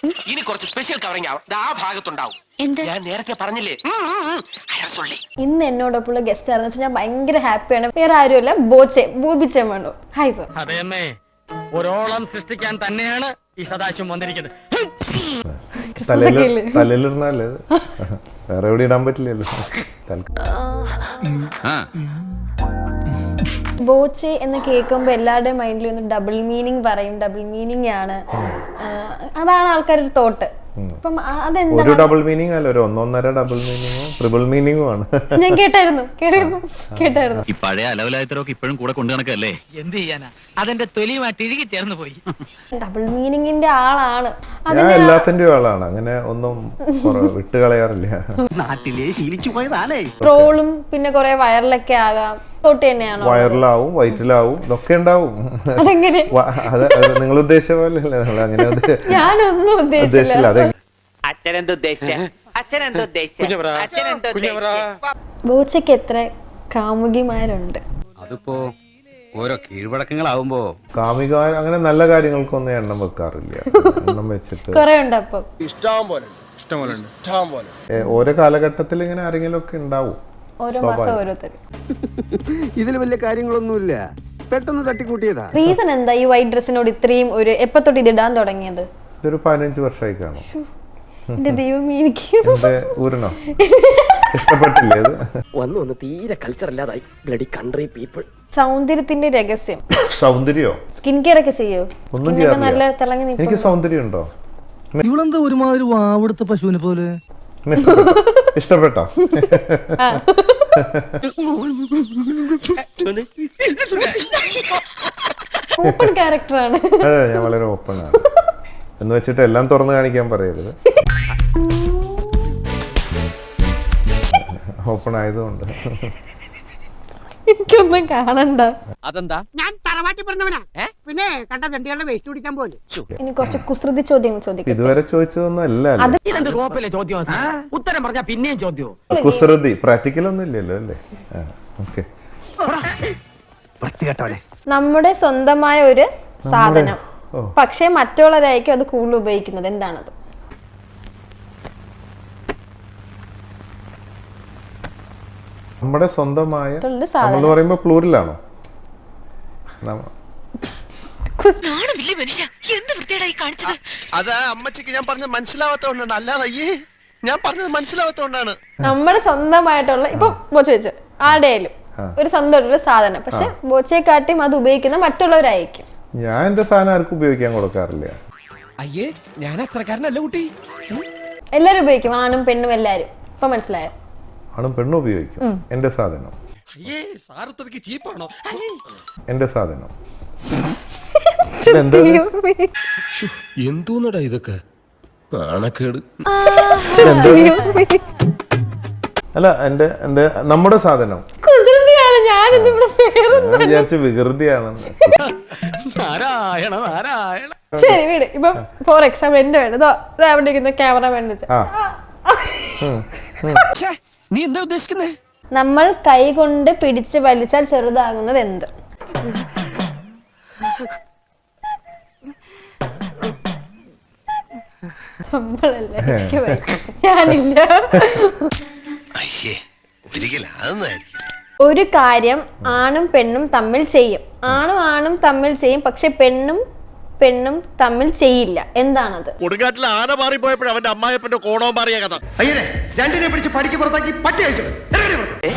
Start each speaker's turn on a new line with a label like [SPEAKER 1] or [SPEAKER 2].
[SPEAKER 1] ഇനി കുറച്ച് special covering ആവും ആ ഭാഗത്തുണ്ടാവും. ഞാൻ നേരത്തെ പറഞ്ഞില്ലേ.
[SPEAKER 2] ഇന്ന് എന്നോടൊപ്പമുള്ള ഗസ്റ്റ് ആണെന്ന് വെച്ചാൽ ഞാൻ ഭയങ്കര ഹാപ്പിയാണ്. വേറെ ആരുമല്ല, ബോബിച്ചൻ വേണു. Hi sir.
[SPEAKER 3] അതെയമ്മേ, ഒരോളം സൃഷ്ടിക്കാൻ തന്നെയാണ് ഈ സദാശിവം വന്നിരിക്കുന്നത്.
[SPEAKER 4] തലയിലിരുന്നാലേ വേറെ എവിടെ ഇടാൻ പറ്റില്ലല്ലോ.
[SPEAKER 2] ബോച്ചെ എന്ന് കേൾക്കുമ്പോൾ എല്ലാവരുടെയും മൈൻഡിൽ ഒന്ന് ഡബിൾ മീനിങ് പറയും. ഡബിൾ മീനിങ് ആണ്, അതാണ് ആൾക്കാരുടെ തോട്ട്. അപ്പം
[SPEAKER 4] ഒരു ഡബിൾ മീനിങ് അല്ല, ഒരു 1.5 ഡബിൾ മീനിങ്ങോ ട്രിപ്പിൾ മീനിങ്ങോ ആണ്.
[SPEAKER 2] ഞാൻ കേട്ടായിരുന്നു.
[SPEAKER 3] ഈ പഴയ അലവലായത്തരൊക്കെ ഇപ്പോഴും കൂടെ കൊണ്ടു നടക്കല്ലേ? എന്ത് ചെയ്യാനാ, അതെന്റെ തൊലിയുമായിട്ട് ഇഴുകി ചേർന്ന് പോയി.
[SPEAKER 2] ഡബിൾ മീനിങ്ങിന്റെ ആളാണ്.
[SPEAKER 4] ഞാൻ എല്ലാത്തിന്റെയും ആളാണ്, അങ്ങനെ ഒന്നും വിട്ട് കളയാറില്ല.
[SPEAKER 1] നാട്ടിലെ ശീലിച്ചു പോയതാണേ.
[SPEAKER 2] ട്രോളും പിന്നെ കുറെ വൈറലൊക്കെ ആകാം. തൊട്ട് തന്നെയാണോ?
[SPEAKER 4] വൈറലാവും, വയറ്റിലാവും, ഇതൊക്കെ ഉണ്ടാവും.
[SPEAKER 2] അതെങ്ങനെ?
[SPEAKER 4] അത് നിങ്ങൾ ഉദ്ദേശിച്ച പോലെ അല്ലേ? അങ്ങനെ
[SPEAKER 2] ഞാനൊന്നും ഉദ്ദേശിച്ചില്ല.
[SPEAKER 4] അതെ.
[SPEAKER 2] ബോച്ചയ്ക്ക് എത്ര കാമുകിമാരുണ്ട്?
[SPEAKER 5] അതിപ്പോ ഓരോ കീഴ്വഴക്കങ്ങളാവുമ്പോ
[SPEAKER 4] കാമിക അങ്ങനെ നല്ല കാര്യങ്ങൾക്കൊന്നും എണ്ണം വെക്കാറില്ല. എണ്ണം വെച്ചിട്ട്
[SPEAKER 2] കൊറേ ഉണ്ട്. അപ്പൊ
[SPEAKER 6] ഇഷ്ടം പോലെ
[SPEAKER 4] ഓരോ കാലഘട്ടത്തിൽ ഇങ്ങനെ ആരെങ്കിലും ഒക്കെ ഉണ്ടാവും.
[SPEAKER 2] ഓരോ മാസം ഓരോരുത്തർ.
[SPEAKER 6] ഇതിൽ വലിയ കാര്യങ്ങളൊന്നുമില്ല, പെട്ടെന്ന് തട്ടിക്കൂട്ടിയതാ.
[SPEAKER 2] റീസൺ എന്താ ഈ വൈറ്റ് ഡ്രസ്സിനോട് ഇത്രയും ഒരു എപ്പോ തൊട്ട് ഇത് ഇടാൻ തുടങ്ങിയത്?
[SPEAKER 4] ഇതൊരു 15 വർഷമായി കാണും.
[SPEAKER 2] എന്റെ ദൈവമേ, എനിക്ക്
[SPEAKER 4] ഊരണോ ഇഷ്ടപ്പെട്ടില്ലേ? അത്
[SPEAKER 1] വന്നു തീരെ കൾച്ചർ ഇല്ലാതായി. Bloody country people.
[SPEAKER 2] സൗന്ദര്യത്തിന്റെ രഹസ്യം
[SPEAKER 4] സൗന്ദര്യോ?
[SPEAKER 2] സ്കിൻ കെയർ ഒക്കെ ചെയ്യോ?
[SPEAKER 4] ഒന്നും ചെയ്യാറില്ല.
[SPEAKER 2] നല്ല തിളങ്ങി
[SPEAKER 4] എനിക്ക്
[SPEAKER 2] നിൽക്കുന്നു.
[SPEAKER 4] സൗന്ദര്യം ഉണ്ടോ?
[SPEAKER 7] ഇവളെന്താ ഒരുമാതിരി വാവെടുത്ത പശുവിനെ പോലെ?
[SPEAKER 4] ഇഷ്ടപ്പെട്ടോ?
[SPEAKER 2] ഓപ്പൺ ക്യാരക്ടറാണ്.
[SPEAKER 4] അതെ, ഞാൻ വളരെ ഓപ്പൺ ആണ്. എന്ന് വെച്ചിട്ട് എല്ലാം തുറന്നു കാണിക്കാൻ പറയരുത്. ഓപ്പൺ ആയതുകൊണ്ട്
[SPEAKER 2] എനിക്കൊന്നും കാണണ്ട.
[SPEAKER 5] അതെന്താ?
[SPEAKER 8] ഞാൻ തറവാട്ടി പറഞ്ഞവനാ. പിന്നെ കണ്ട തണ്ടികളുടെ വേസ്റ്റ് കുടിക്കാൻ പോലെ.
[SPEAKER 2] ഇനി കുറച്ച് കുസൃതി ചോദ്യങ്ങൾ ചോദിക്കാം.
[SPEAKER 4] ഇതുവരെ ചോദിച്ചതൊന്നും അല്ല.
[SPEAKER 3] ഉത്തരം പറഞ്ഞാ പിന്നെയും ചോദ്യവും.
[SPEAKER 4] കുസൃതി പ്രാക്ടിക്കൽ ഒന്നും ഇല്ലല്ലോ അല്ലേ? ഓക്കെ.
[SPEAKER 2] നമ്മുടെ സ്വന്തമായ ഒരു സാധനം പക്ഷെ മറ്റുള്ളവരായിരിക്കും അത് കൂടുതൽ ഉപയോഗിക്കുന്നത്. എന്താണത്?
[SPEAKER 4] നമ്മുടെ സ്വന്തമായ നമ്മൾ പറയുമ്പോ പ്ലൂറലാണോ?
[SPEAKER 1] അത് അമ്മച്ചിക്ക് ഞാൻ പറഞ്ഞത് മനസ്സിലാവാത്തോണ്ടാണ്. അല്ലാതെ ഞാൻ പറഞ്ഞത് മനസ്സിലാവാത്തോണ്ടാണ്.
[SPEAKER 2] നമ്മുടെ സ്വന്തമായിട്ടുള്ള ഇപ്പൊ ബോച്ച വെച്ച് ആരുടെയായാലും ഒരു സ്വന്തം ഒരു സാധനം, പക്ഷെ ബോച്ചയെക്കാട്ടിയും അത് ഉപയോഗിക്കുന്ന മറ്റുള്ളവരായിരിക്കും.
[SPEAKER 4] ഞാൻ എന്റെ സാധനം ആർക്കും ഉപയോഗിക്കാൻ കൊടുക്കാറില്ല.
[SPEAKER 5] അയ്യേ, ഞാൻ അത്രക്കാരനല്ല കുട്ടി.
[SPEAKER 2] എല്ലാരും ഉപയോഗിക്കും, ആണും പെണ്ണും എല്ലാരും. ഇപ്പൊ മനസ്സിലായോ?
[SPEAKER 4] ആണും പെണ്ണും ഉപയോഗിക്കും എന്റെ സാധനം. എന്റെ സാധനം
[SPEAKER 9] എന്തോന്നടാ ഇതൊക്കെ? നാണക്കേട്.
[SPEAKER 4] അല്ല, എന്റെ നമ്മുടെ സാധനം. ഞാൻ വിചാരിച്ച വികൃതിയാണെന്ന്.
[SPEAKER 3] നാരായണ നാരായണ.
[SPEAKER 2] ശരി, വീട് ഇപ്പൊ ഫോർ എക്സാമ്പിൾ എന്റെ വേണം അവിടെ ഇരിക്കുന്ന ക്യാമറമാൻ
[SPEAKER 3] നീ എന്താ ഉദ്ദേശിക്കുന്നേ?
[SPEAKER 2] നമ്മൾ കൈ കൊണ്ട് പിടിച്ച് വലിച്ചാൽ ചെറുതാകുന്നത് എന്ത്? നമ്മളല്ലേ, ഞാനില്ല. ഒരു കാര്യം ആണും പെണ്ണും തമ്മിൽ ചെയ്യും. ആണും തമ്മിൽ ചെയ്യും, പക്ഷെ പെണ്ണും തമ്മിൽ ചെയ്യില്ല. എന്താണത്?
[SPEAKER 9] കൊടുങ്കാറ്റിൽ ആന മാറിപ്പോയപ്പോഴും അവന്റെ അമ്മായപ്പന്റെ കോണവും മാറിയ കഥ.
[SPEAKER 1] അയ്യേ, രണ്ടിനെ പിടിച്ച് പടിക്ക് പുറത്താക്കി പട്ടി അയച്ചു.